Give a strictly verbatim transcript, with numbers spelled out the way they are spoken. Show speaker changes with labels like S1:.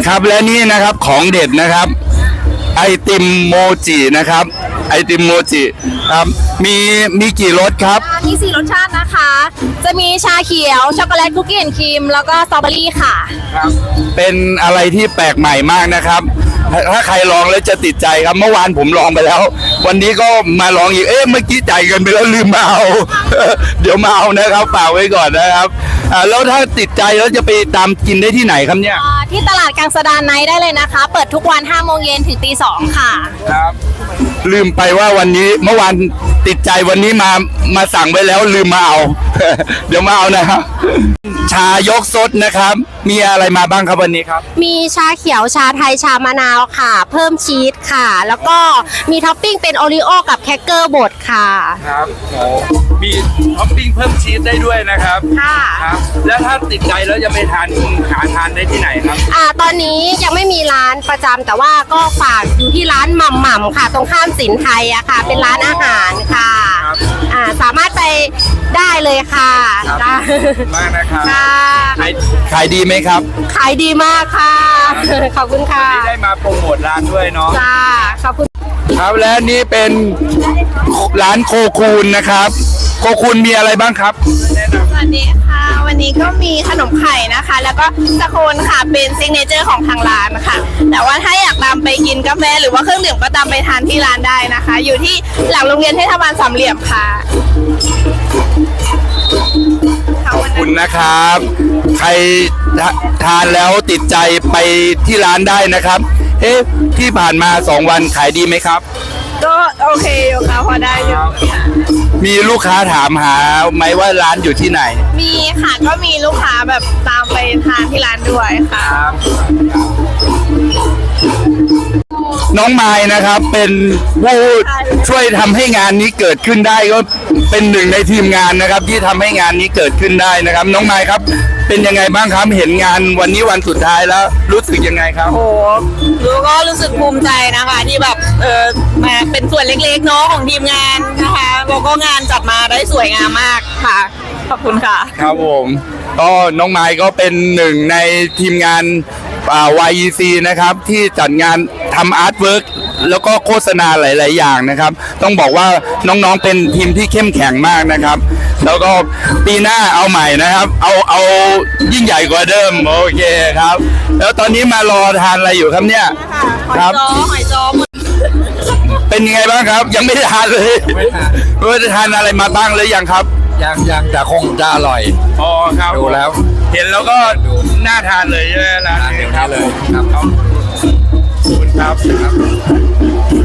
S1: ครับและนี่นะครับของเด็ดนะครับไอติมโมจินะครับไอติมโมจิครับมีมีกี่รสครับ
S2: มีสี่รสชาตินะคะจะมีชาเขียวช็อกโกแลตคุกกี้แอนด์ครีมแล้วก็สตรอเบอรี่ค่ะ
S1: ครับเป็นอะไรที่แปลกใหม่มากนะครับถ้าใครลองแล้วจะติดใจครับเมื่อวานผมลองไปแล้ววันนี้ก็มาลองอีกเอ๊ะเมื่อกี้จ่ายเงินไปแล้วลืมมาเอา เดี๋ยวมาเอานะครับฝากไว้ก่อนนะครับอ่าแล้วถ้าติดใจแล้วจะไปตามกินได้ที่ไหนครับเนี่ย
S2: ที่ตลาดกลางสะดานไนท์ได้เลยนะคะเปิดทุกวันห้าโมงเย็นถึงตีสองค่ะ
S1: ครับลืมไปว่าวันนี้เมื่อวานติดใจวันนี้มามาสั่งไว้แล้วลืมมาเอา เดี๋ยวมาเอานะครับชายกซดนะครับมีอะไรมาบ้างครับวันนี้ครับ
S2: มีชาเขียวชาไทยชามะนาวค่ะเพิ่มชีสค่ะแล้วก็มีท็อปปิ้งเป็นโอริโอกับแครกเกอร์บดค่ะ
S1: ครับโอ้มีท็อปปิ้งเพิ่มชีสได้ด้วยนะครับ
S2: ค่ะ
S1: ครับแล้วถ้าติดใจแล้วจะไปทานหาทานได้ที่ไหนครับ
S2: อ่าตอนนี้ยังไม่มีร้านประจำแต่ว่าก็ฝากอยู่ที่ร้านหม่ำหม่ำค่ะตรงข้ามสินไทยอะค่ะเป็นร้านอาหารค่ะอ่าสามารถไปได้เลยค่ะ
S1: มากนะครับ
S2: ค่ะ
S1: ขายดีไหมครับ
S2: ขายดีมากค่ะขอบคุณค่ะ
S1: ที่ได้มาโปรโมทร้านด้วยเนาะ
S2: จ้าขอบคุณ
S1: ครับและนี่เป็นร้านโคคูนนะครับโคคูนมีอะไรบ้างครับ
S2: สวัสดีค่ะวันนี้ก็มีขนมไข่นะคะแล้วก็สโคนค่ะเป็นซิกเนเจอร์ของทางร้านนะคะแต่ว่าถ้าอยากตามไปกินกาแฟหรือว่าเครื่องดื่มก็ตามไปทานที่ร้านได้นะคะอยู่ที่หลังโรงเรียนเทศบาลสามเหลี่ยมค่ะ
S1: ขอบคุณนะครับใครทานแล้วติดใจไปที่ร้านได้นะครับเอ๊ะที่ผ่านมาสองวันขายดีไหมครับ
S2: ก็โอเคอยู่ค่ะพอได้อยู่
S1: มีลูกค้าถามหาไหมว่าร้านอยู่ที่ไหน
S2: มีค่ะก็มีลูกค้าแบบตามไปทานที่ร้านด้วยค่ะ
S1: น้องไม้นะครับเป็นผู้ช่วยทำให้งานนี้เกิดขึ้นได้ก็เป็นหนึ่งในทีมงานนะครับที่ทำให้งานนี้เกิดขึ้นได้นะครับน้องไม้ครับเป็นยังไงบ้างครับเห็นงานวันนี้วันสุดท้ายแล้วรู้สึกยังไงครับ
S2: โอ้รู้ก็รู้สึกภูมิใจนะคะที่แบบเออมาเป็นส่วนเล็กๆเนาะของทีมงานนะคะแล้วก็งานจัดมาได้สวยงามมากค่ะขอบคุณค่ะ
S1: ครับผมก็น้องไม้ก็เป็นหนึ่งในทีมงานวาย อี ซี นะครับที่จัดงานทำอาร์ตเวิร์กแล้วก็โฆษณาหลายๆอย่างนะครับต้องบอกว่าน้องๆเป็นทีมที่เข้มแข็งมากนะครับแล้วก็ปีหน้าเอาใหม่นะครับเอาเอายิ่งใหญ่กว่าเดิมโอเคครับแล้วตอนนี้มารอทานอะไรอยู่ครับเนี่ย
S2: ครับหอยจอ
S1: เป็นยังไงบ้างครับยังไม่ได้ทานเลยไม่ทานไม่ได้ทานอะไรมาบ้างเลยยังครับ
S3: ยังยังแต่คงจะอร่อย
S1: อ๋อครับ
S3: ดูแล้ว
S1: เห็นแล้วก็น่าทานเลยใช่ไหมล่ะ
S3: เห็นเลยครับ
S1: ขอบคุณครับ